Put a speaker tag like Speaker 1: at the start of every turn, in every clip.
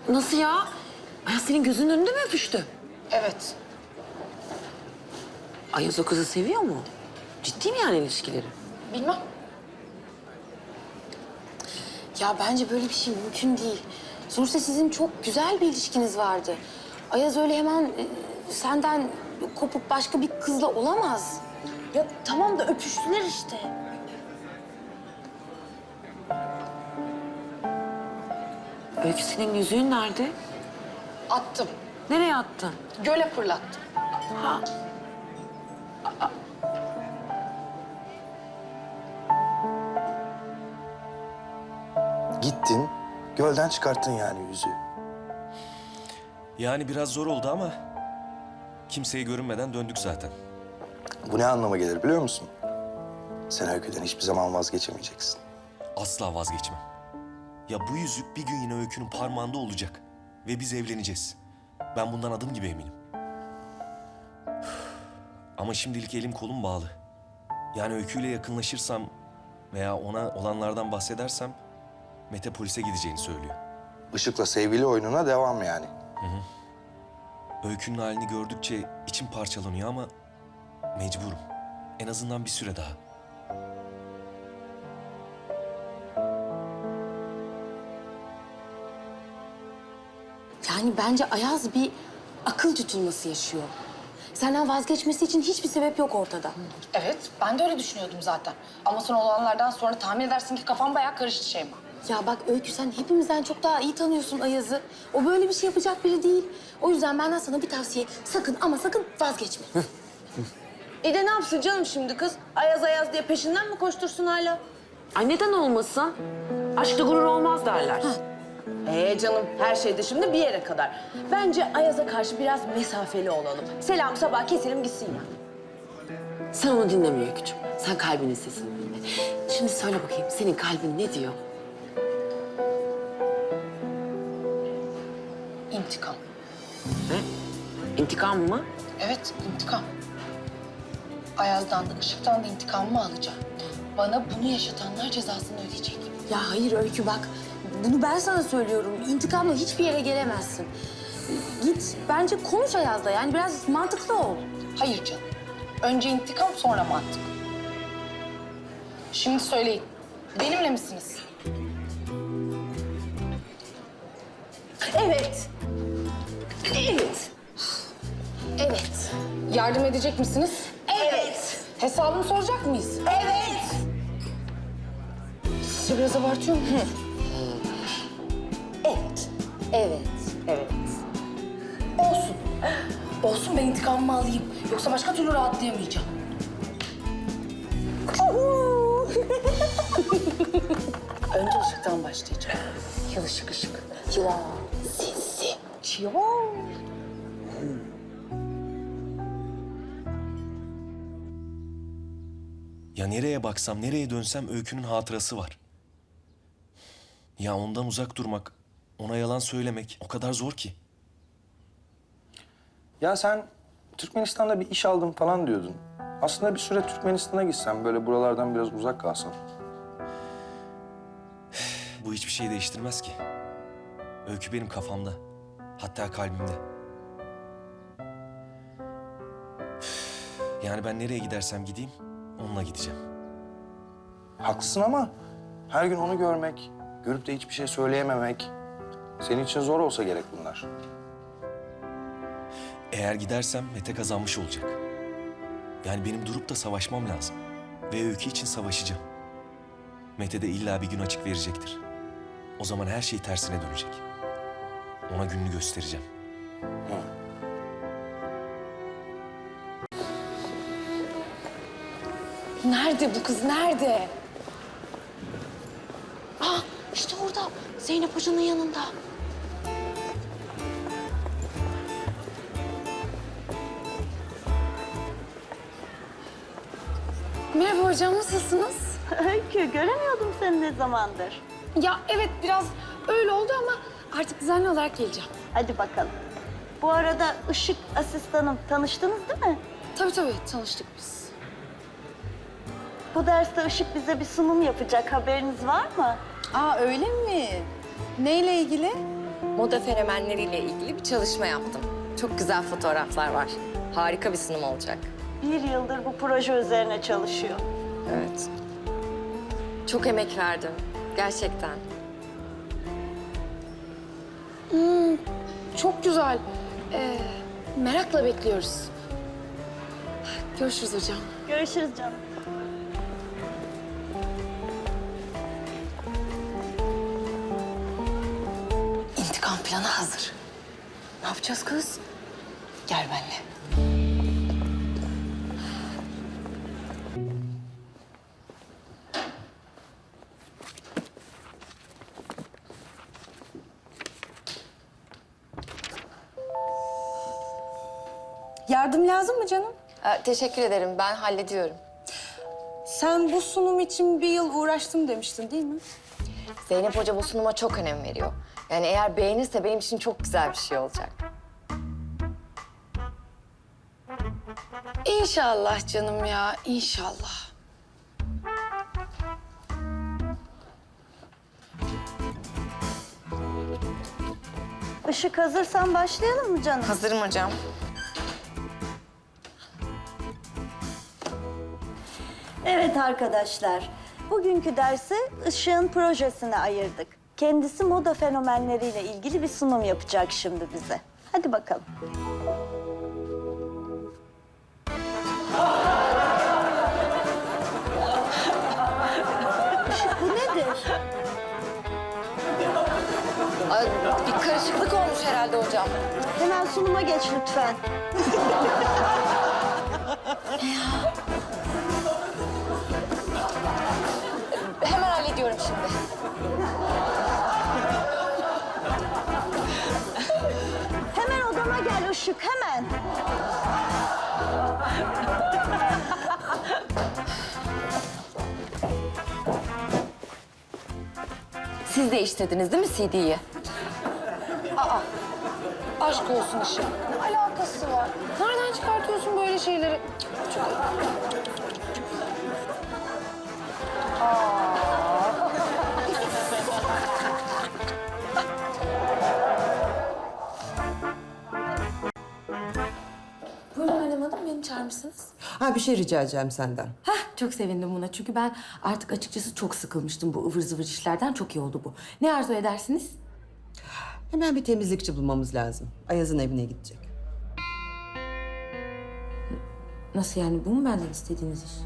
Speaker 1: Nasıl ya? Ayaz senin gözünün önünde mi öpüştü?
Speaker 2: Evet.
Speaker 1: Ayaz o kızı seviyor mu? Ciddi mi yani ilişkileri?
Speaker 2: Bilmem.
Speaker 3: Ya bence böyle bir şey mümkün değil. Sonuçta sizin çok güzel bir ilişkiniz vardı. Ayaz öyle hemen senden kopup başka bir kızla olamaz. Ya tamam da öpüştüler işte.
Speaker 1: Öykü senin yüzüğün nerede?
Speaker 2: Attım.
Speaker 1: Nereye attın?
Speaker 2: Göle fırlattım.
Speaker 1: Ha.
Speaker 4: Gittin, gölden çıkarttın yani yüzüğü.
Speaker 5: Yani biraz zor oldu ama kimseye görünmeden döndük zaten.
Speaker 4: Bu ne anlama gelir biliyor musun? Sen Öykü'den hiçbir zaman vazgeçemeyeceksin.
Speaker 5: Asla vazgeçmem. Ya bu yüzük bir gün yine Öykü'nün parmağında olacak. Ve biz evleneceğiz. Ben bundan adım gibi eminim. Ama şimdilik elim kolum bağlı. Yani Öykü'yle yakınlaşırsam veya ona olanlardan bahsedersem Mete polise gideceğini söylüyor.
Speaker 4: Işık'la sevgili oyununa devam yani.
Speaker 5: Öykü'nün halini gördükçe içim parçalanıyor ama mecburum. En azından bir süre daha.
Speaker 3: Yani bence Ayaz bir akıl tutulması yaşıyor. Senden vazgeçmesi için hiçbir sebep yok ortada.
Speaker 2: Evet, ben de öyle düşünüyordum zaten. Ama son olanlardan sonra tahmin edersin ki kafam bayağı karıştı Şeyma.
Speaker 3: Ya bak Öykü, sen hepimizden çok daha iyi tanıyorsun Ayaz'ı. O böyle bir şey yapacak biri değil. O yüzden benden sana bir tavsiye. Sakın ama sakın vazgeçme.
Speaker 6: Ne yapsın canım şimdi kız? Ayaz Ayaz diye peşinden mi koştursun hala?
Speaker 1: Ay neden olmasın? Aşkta gurur olmaz derler.
Speaker 6: Canım her şeyde şimdi bir yere kadar. Bence Ayaz'a karşı biraz mesafeli olalım. Selam sabah keselim gitsin ya.
Speaker 1: Sen onu dinleme Öykücüğüm. Sen kalbinin sesini dinle. Şimdi söyle bakayım, senin kalbin ne diyor?
Speaker 2: İntikam.
Speaker 1: Ne? İntikam mı?
Speaker 2: Evet, intikam. Ayaz'dan da Işık'tan da intikamımı alacağım. Bana bunu yaşatanlar cezasını ödeyecek.
Speaker 3: Ya hayır Öykü, bak. Bunu ben sana söylüyorum. İntikamla hiçbir yere gelemezsin. Git bence konuş Ayaz'la. Yani biraz mantıklı ol.
Speaker 2: Hayır canım. Önce intikam sonra mantık. Şimdi söyleyin. Benimle misiniz?
Speaker 6: Evet. Evet.
Speaker 2: Evet. Yardım edecek misiniz?
Speaker 6: Evet.
Speaker 2: Hesabını soracak mıyız?
Speaker 6: Evet.
Speaker 2: Sizce biraz abartıyor muyum?
Speaker 6: Evet. Evet. Evet.
Speaker 2: Olsun. Olsun, ben intikamımı alayım. Yoksa başka türlü rahatlayamayacağım. Önce Işık'tan başlayacağım. Yıl ışık.
Speaker 3: Ya sinsi.
Speaker 5: Ya nereye baksam, nereye dönsem Öykü'nün hatırası var. Ya ondan uzak durmak, ona yalan söylemek o kadar zor ki.
Speaker 4: Ya sen Türkmenistan'da bir iş aldım falan diyordun. Aslında bir süre Türkmenistan'a gitsen, böyle buralardan biraz uzak kalsan.
Speaker 5: Bu hiçbir şey değiştirmez ki. Öykü benim kafamda. Hatta kalbimde. Yani ben nereye gidersem gideyim, onunla gideceğim.
Speaker 4: Haklısın ama her gün onu görmek, görüp de hiçbir şey söyleyememek... senin için zor olsa gerek bunlar.
Speaker 5: Eğer gidersem Mete kazanmış olacak. Yani benim durup da savaşmam lazım. Ve Öykü için savaşacağım. Mete de illa bir gün açık verecektir. O zaman her şey tersine dönecek. Ona gününü göstereceğim.
Speaker 3: Nerede bu kız, nerede? Aa, işte orada. Zeynep Hoca'nın yanında. Merhaba hocam, nasılsınız?
Speaker 7: Öykü, göremiyordum seni ne zamandır.
Speaker 3: Ya evet, biraz öyle oldu ama artık düzenli olarak geleceğim.
Speaker 7: Hadi bakalım. Bu arada Işık asistanım, tanıştınız değil mi?
Speaker 3: Tabii tanıştık biz.
Speaker 7: Bu derste Işık bize bir sunum yapacak, haberiniz var mı?
Speaker 8: Aa öyle mi? Neyle ilgili? moda fenomenleriyle ilgili bir çalışma yaptım. Çok güzel fotoğraflar var. Harika bir sunum olacak.
Speaker 7: 1 yıldır bu proje üzerine çalışıyor.
Speaker 8: Evet. Çok emek verdim. Gerçekten.
Speaker 3: Çok güzel. Merakla bekliyoruz. Görüşürüz hocam.
Speaker 7: Görüşürüz canım.
Speaker 3: İntikam planı hazır. Ne yapacağız kız? Gel benimle.
Speaker 9: Yardım lazım mı canım?
Speaker 8: Teşekkür ederim. Ben hallediyorum.
Speaker 9: Sen bu sunum için 1 yıl uğraştım demiştin değil mi?
Speaker 8: Zeynep Hoca bu sunuma çok önem veriyor. Yani eğer beğenirse benim için çok güzel bir şey olacak.
Speaker 3: İnşallah canım ya, inşallah.
Speaker 7: Işık hazırsan başlayalım mı canım?
Speaker 8: Hazırım hocam.
Speaker 7: Evet arkadaşlar. Bugünkü dersi Işık'ın projesine ayırdık. Kendisi moda fenomenleriyle ilgili bir sunum yapacak şimdi bize. Hadi bakalım. Işık bu nedir?
Speaker 8: Bir karışıklık olmuş herhalde hocam.
Speaker 7: Hemen sunuma geç lütfen.
Speaker 8: Hemen hallediyorum şimdi.
Speaker 7: Hemen odama gel Işık, hemen.
Speaker 8: Siz de istediniz değil mi CD'yi?
Speaker 3: Aşk olsun Işıl. Ne alakası var? Nereden çıkartıyorsun böyle şeyleri?
Speaker 10: Buyurun Meryem Hanım, beni çağırmışsınız.
Speaker 11: Ha bir şey rica edeceğim senden.
Speaker 10: Hah, çok sevindim buna. Çünkü ben artık açıkçası çok sıkılmıştım bu ıvır zıvır işlerden. Çok iyi oldu bu. Ne arzu edersiniz?
Speaker 11: Hemen bir temizlikçi bulmamız lazım. Ayaz'ın evine gidecek.
Speaker 10: Nasıl yani? Bu mu benden istediğiniz iş?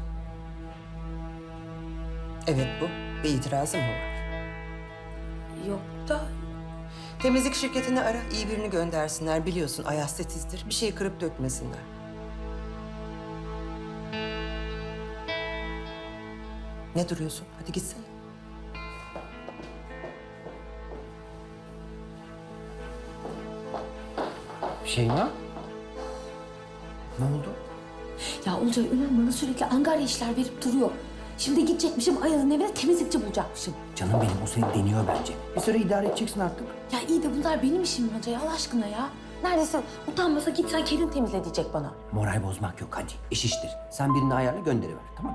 Speaker 11: Evet bu. Bir itirazın mı var?
Speaker 10: Yok da...
Speaker 11: Temizlik şirketini ara, iyi birini göndersinler. Biliyorsun Ayaz titizdir. Bir şeyi kırıp dökmesinler. Ne duruyorsun? Hadi gitsene.
Speaker 12: Şeyma? Ne oldu?
Speaker 10: Ya Olcay Ömer bana sürekli angarya işler verip duruyor. Şimdi gidecekmişim Ayaz'ın evine temizlikçi bulacakmışım.
Speaker 12: Canım benim, o seni deniyor bence. Bir süre idare edeceksin artık.
Speaker 10: Ya iyi de bunlar benim işim mi Olcay Allah aşkına ya? Neredesin? Utanmasa git sen kendin temizle diyecek bana.
Speaker 12: Moral bozmak yok, hadi. İş iştir. Sen birini ayarla, gönderiver, tamam mı?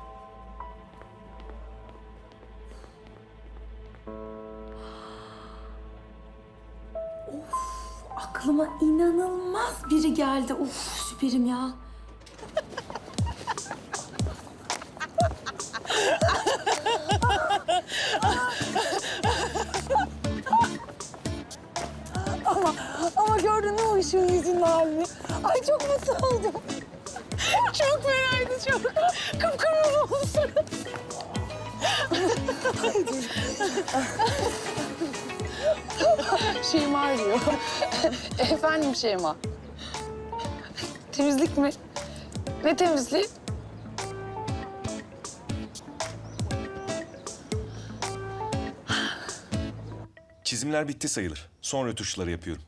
Speaker 10: Aklıma inanılmaz biri geldi. Uf süperim ya.
Speaker 9: Ama gördün mü o ışığın yüzünün halini? Ay çok mutlu oldum. Çok fenaydı çok. Kıpkırmızı oldu suratı. Şeyma arıyor. Efendim Şeyma. Temizlik mi? Ne temizliği?
Speaker 5: Çizimler bitti sayılır. Son rötuşları yapıyorum.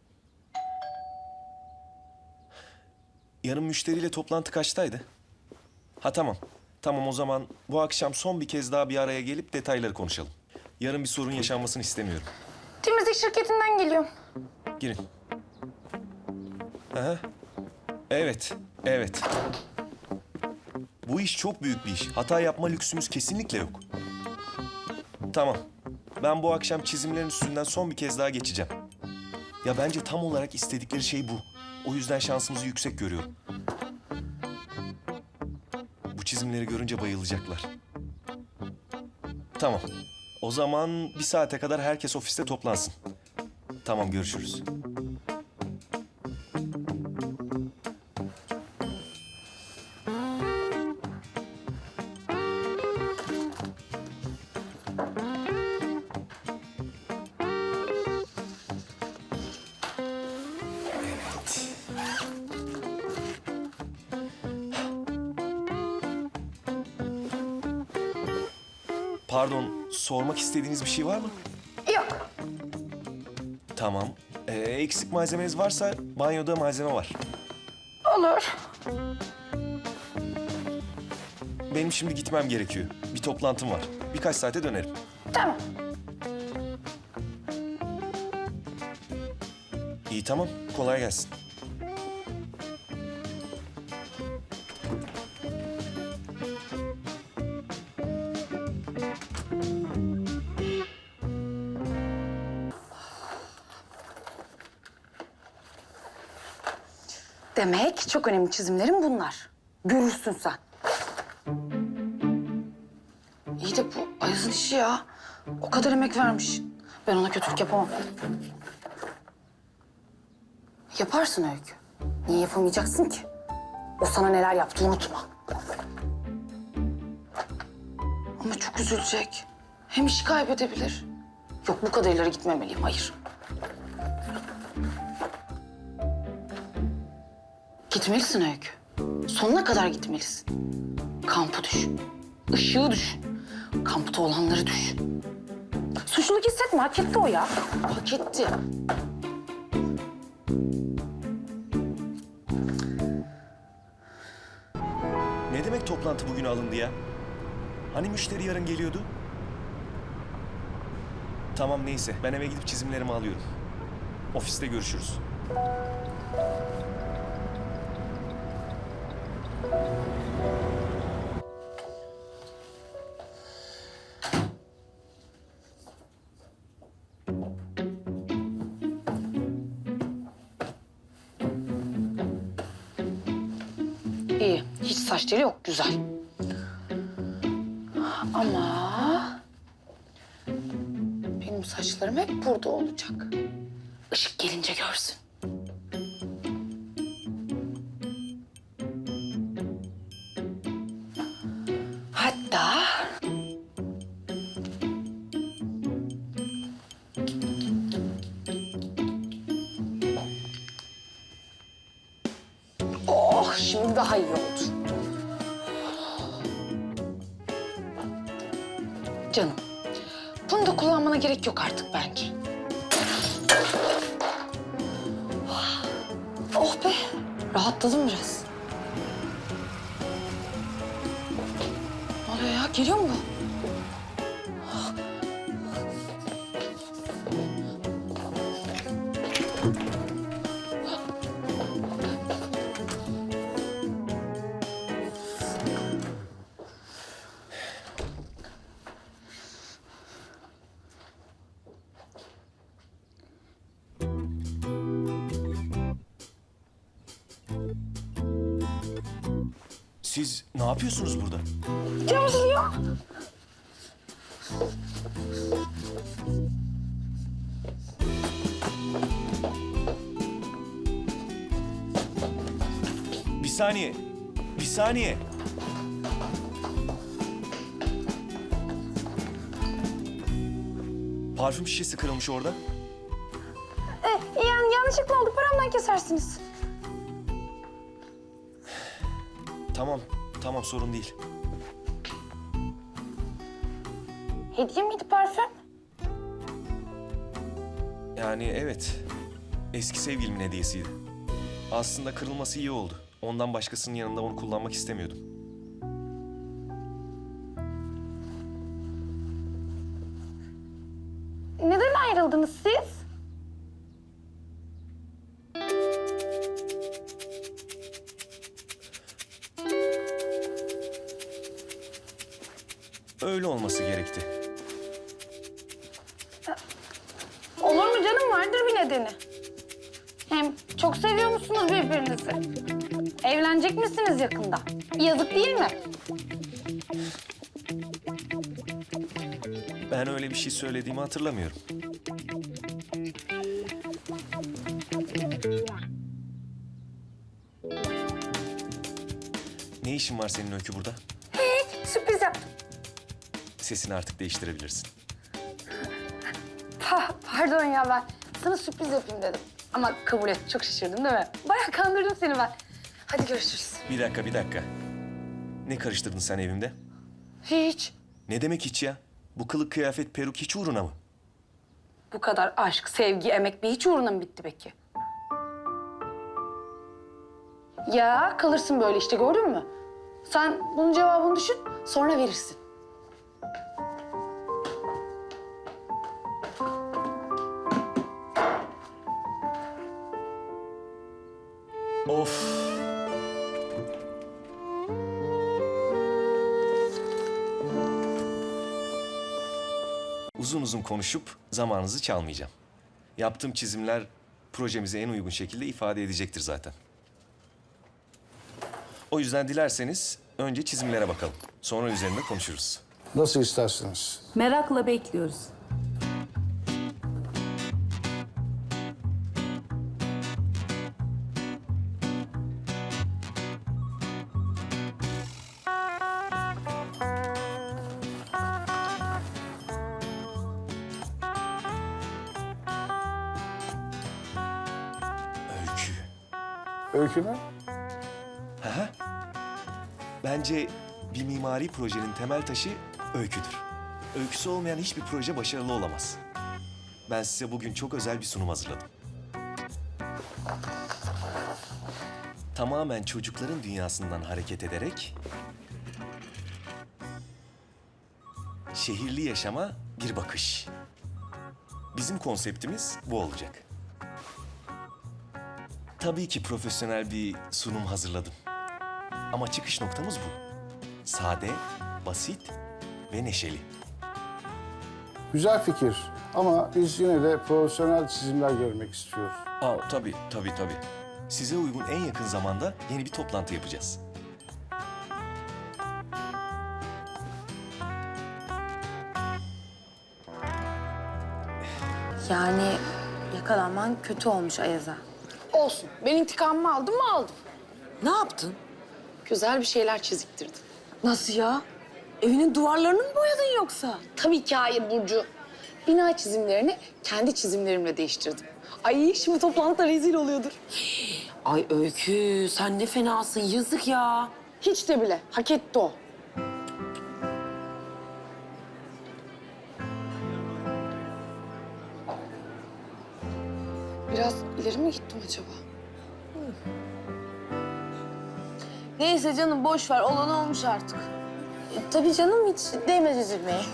Speaker 5: Yarın müşteriyle toplantı kaçtaydı? Ha tamam. Tamam o zaman bu akşam son bir kez daha bir araya gelip detayları konuşalım. Yarın bir sorun yaşanmasını istemiyorum.
Speaker 2: Temizlik şirketinden geliyorum.
Speaker 5: Girin. Aha. Evet, evet. Bu iş çok büyük bir iş. Hata yapma lüksümüz kesinlikle yok. Tamam. Ben bu akşam çizimlerin üstünden son bir kez daha geçeceğim. Ya bence tam olarak istedikleri şey bu. O yüzden şansımızı yüksek görüyorum. Bu çizimleri görünce bayılacaklar. Tamam. O zaman 1 saate kadar herkes ofiste toplansın. Tamam, görüşürüz. Pardon, sormak istediğiniz bir şey var mı?
Speaker 2: Yok.
Speaker 5: Tamam. Eksik malzemeniz varsa banyoda malzeme var.
Speaker 2: Olur.
Speaker 5: Benim şimdi gitmem gerekiyor. Bir toplantım var. Birkaç saate dönerim.
Speaker 2: Tamam.
Speaker 5: İyi, tamam. Kolay gelsin.
Speaker 2: Demek çok önemli çizimlerim bunlar. Görürsün sen. İyi de bu Ayaz'ın işi ya. O kadar emek vermiş. Ben ona kötülük yapamam. Yaparsın Öykü. Niye yapamayacaksın ki? O sana neler yaptı unutma. Ama çok üzülecek. Hem işi kaybedebilir. Yok, bu kadar ileri gitmemeliyim, hayır. Gitmelisin Öykü. Sonuna kadar gitmelisin. Kampı düşün. Işığı düşün. Kampta olanları düşün. Suçluluk hissetme, hak etti o ya. Hak etti.
Speaker 5: Ne demek toplantı bugün alındı ya? Hani müşteri yarın geliyordu? Tamam, neyse. Ben eve gidip çizimlerimi alıyorum. Ofiste görüşürüz.
Speaker 2: İyi, hiç saç teli yok, güzel. Ama benim saçlarım hep burada olacak. Işık gelince görsün. Hatta oh, şimdi daha iyi oldu. Canım, bunu da kullanmana gerek yok artık bence. Oh be, rahatladım biraz. Ne oluyor ya, geliyor mu bu?
Speaker 5: Siz ne yapıyorsunuz burada?
Speaker 2: Cam siliyor.
Speaker 5: Bir saniye. Bir saniye. Parfüm şişesi kırılmış orada.
Speaker 2: Yani yanlışlıkla oldu, paramdan kesersiniz.
Speaker 5: Tamam, tamam, sorun değil.
Speaker 2: Hediye miydi parfüm?
Speaker 5: Yani evet, eski sevgilimin hediyesiydi. Aslında kırılması iyi oldu. Ondan başkasının yanında onu kullanmak istemiyordum.
Speaker 2: Neden ayrıldınız siz?
Speaker 5: Öyle olması gerekti.
Speaker 2: Olur mu canım, vardır bir nedeni. Hem çok seviyor musunuz birbirinizi? Evlenecek misiniz yakında? Yazık değil mi?
Speaker 5: Ben öyle bir şey söylediğimi hatırlamıyorum. Ne işin var senin Öykü burada?
Speaker 2: Sürpriz yaptım.
Speaker 5: Sesini artık değiştirebilirsin.
Speaker 2: Pardon ya, ben sana sürpriz yapayım dedim. Ama kabul et, çok şaşırdın değil mi? Bayağı kandırdım seni ben. Hadi görüşürüz.
Speaker 5: Bir dakika. Ne karıştırdın sen evimde?
Speaker 2: Hiç.
Speaker 5: Ne demek hiç ya? Bu kılık kıyafet peruk hiç uğruna mı?
Speaker 2: Bu kadar aşk, sevgi, emek bir hiç uğruna mı bitti peki? Ya kalırsın böyle işte, gördün mü? Sen bunun cevabını düşün, sonra verirsin.
Speaker 5: Of. Uzun uzun konuşup zamanınızı çalmayacağım. Yaptığım çizimler projemize en uygun şekilde ifade edecektir zaten. O yüzden dilerseniz önce çizimlere bakalım. Sonra üzerinde konuşuruz.
Speaker 13: Nasıl istersiniz?
Speaker 10: Merakla bekliyoruz.
Speaker 5: Öykü.
Speaker 13: Öykü mü?
Speaker 5: Aha. Bence bir mimari projenin temel taşı öyküdür. Öyküsü olmayan hiçbir proje başarılı olamaz. Ben size bugün çok özel bir sunum hazırladım. Tamamen çocukların dünyasından hareket ederek şehirli yaşama bir bakış. Bizim konseptimiz bu olacak. Tabii ki profesyonel bir sunum hazırladım. Ama çıkış noktamız bu. Sade, basit ve neşeli.
Speaker 13: Güzel fikir ama biz yine de profesyonel çizimler görmek istiyoruz.
Speaker 5: Tabii. Size uygun en yakın zamanda yeni bir toplantı yapacağız.
Speaker 3: Yani yakalanman kötü olmuş Ayaz'a.
Speaker 2: Olsun, ben intikamımı aldım mı aldım.
Speaker 1: Ne yaptın?
Speaker 2: Güzel bir şeyler çiziktirdim.
Speaker 1: Nasıl ya? Evinin duvarlarını mı boyadın yoksa?
Speaker 2: Tabii ki hayır Burcu. Bina çizimlerini kendi çizimlerimle değiştirdim. Ay şimdi toplantıda rezil oluyordur.
Speaker 1: Ay Öykü, sen ne fenasın, yazık ya.
Speaker 2: Hiç de bile, hak etti o. Biraz ileri mi gittim acaba?
Speaker 6: Neyse canım boş ver. Olan olmuş artık.
Speaker 3: Tabii canım, hiç değmez üzülmeye.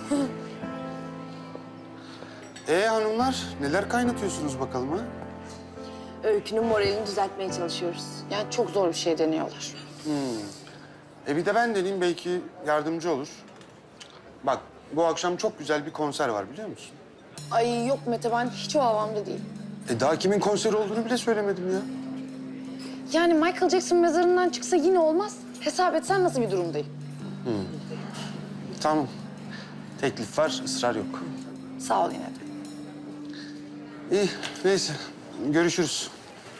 Speaker 4: Hanımlar neler kaynatıyorsunuz bakalım ha?
Speaker 6: Öykünün moralini düzeltmeye çalışıyoruz.
Speaker 2: Yani çok zor bir şey deniyorlar.
Speaker 4: Bir de ben deneyeyim, belki yardımcı olur. Bak, bu akşam çok güzel bir konser var, biliyor musun?
Speaker 2: Ay yok Mete, ben hiç o havamda değilim.
Speaker 4: Daha kimin konseri olduğunu bile söylemedim ya.
Speaker 2: Yani Michael Jackson mezarından çıksa yine olmaz. Hesap etsen nasıl bir durumdayım?
Speaker 4: Tamam. Teklif var, ısrar yok.
Speaker 2: Sağ ol yine de.
Speaker 4: İyi, neyse. Görüşürüz.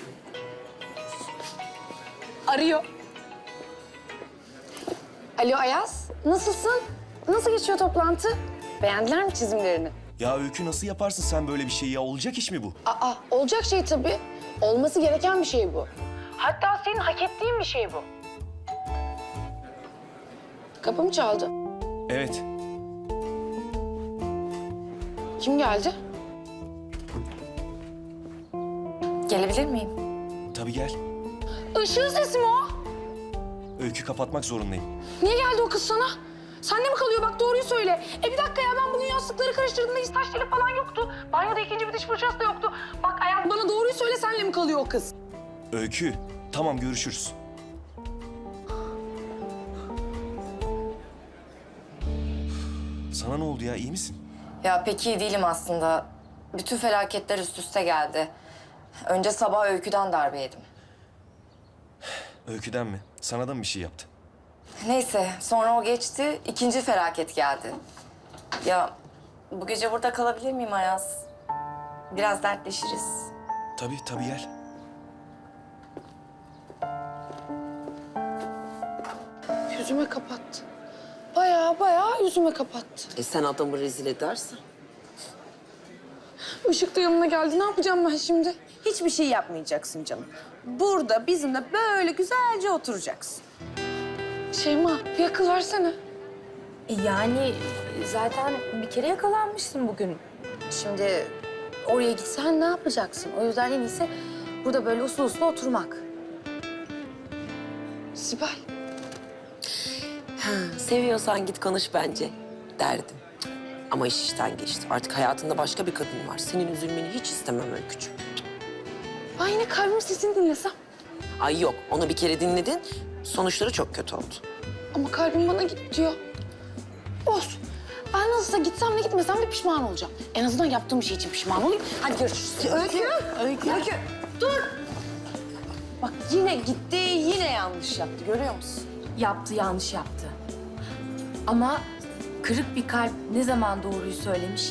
Speaker 2: Arıyor. Alo Ayaz, nasılsın? Nasıl geçiyor toplantı? Beğendiler mi çizimlerini?
Speaker 5: Ya Öykü, nasıl yaparsın sen böyle bir şeyi ya? Olacak iş mi bu?
Speaker 2: Olacak şey tabii. Olması gereken bir şey bu. Hatta senin hak ettiğin bir şey bu. Kapı mı çaldı?
Speaker 5: Evet.
Speaker 2: Kim geldi?
Speaker 8: Gelebilir miyim?
Speaker 5: Tabii gel.
Speaker 2: Işığın sesi mi o?
Speaker 5: Öykü, kapatmak zorundayım.
Speaker 2: Niye geldi o kız sana? Sende mi kalıyor? Bak doğruyu söyle. Bir dakika ya, ben bugün yastıkları karıştırdığımda hiç taş teli falan yoktu. Banyoda ikinci bir diş fırçası da yoktu. Bak Ayaz, bana doğruyu söyle, senle mi kalıyor o kız?
Speaker 5: Öykü, tamam, görüşürüz. Sana ne oldu ya, iyi misin?
Speaker 8: Ya pek iyi değilim aslında. Bütün felaketler üst üste geldi. Önce sabah Öykü'den darbe yedim.
Speaker 5: Öyküden mi? Sana da mı bir şey yaptı?
Speaker 8: Neyse, sonra o geçti, ikinci felaket geldi. Ya bu gece burada kalabilir miyim Ayaz? Biraz dertleşiriz.
Speaker 5: Tabii tabii gel.
Speaker 9: Yüzüme kapattı. Bayağı yüzüme kapattı.
Speaker 1: Sen adamı rezil edersen.
Speaker 9: Işık da yanına geldi. Ne yapacağım ben şimdi?
Speaker 6: Hiçbir şey yapmayacaksın canım. Burada bizimle böyle güzelce oturacaksın.
Speaker 9: Şeyma bir akıl versene.
Speaker 3: Yani zaten bir kere yakalanmışsın bugün. Şimdi oraya gitsen ne yapacaksın? O yüzden en iyisi burada böyle uslu uslu oturmak.
Speaker 9: Sibel.
Speaker 1: Ha, seviyorsan git konuş bence derdim. Ama iş işten geçti. Artık hayatında başka bir kadın var. Senin üzülmeni hiç istemem Öykücüğüm.
Speaker 9: Ben yine kalbimin sesini dinlesem.
Speaker 1: Ay yok, onu bir kere dinledin. Sonuçları çok kötü oldu.
Speaker 9: Ama kalbim bana git diyor. Olsun. Ben nasılsa gitsem de gitmesem de pişman olacağım. En azından yaptığım şey için pişman olayım. Hadi görüşürüz.
Speaker 6: Öykü, dur. Bak yine gitti, yine yanlış yaptı. Görüyor musun?
Speaker 10: Yaptı, yanlış yaptı. Ama kırık bir kalp ne zaman doğruyu söylemiş ki?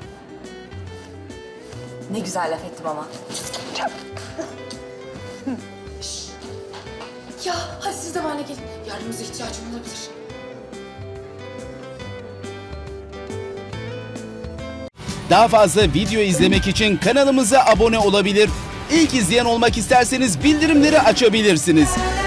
Speaker 8: Ne güzel laf ettim ama.
Speaker 10: Ya hadi siz de benimle gelin. Yardımınıza ihtiyacım olabilir.
Speaker 14: Daha fazla video izlemek için kanalımıza abone olabilir. İlk izleyen olmak isterseniz bildirimleri açabilirsiniz.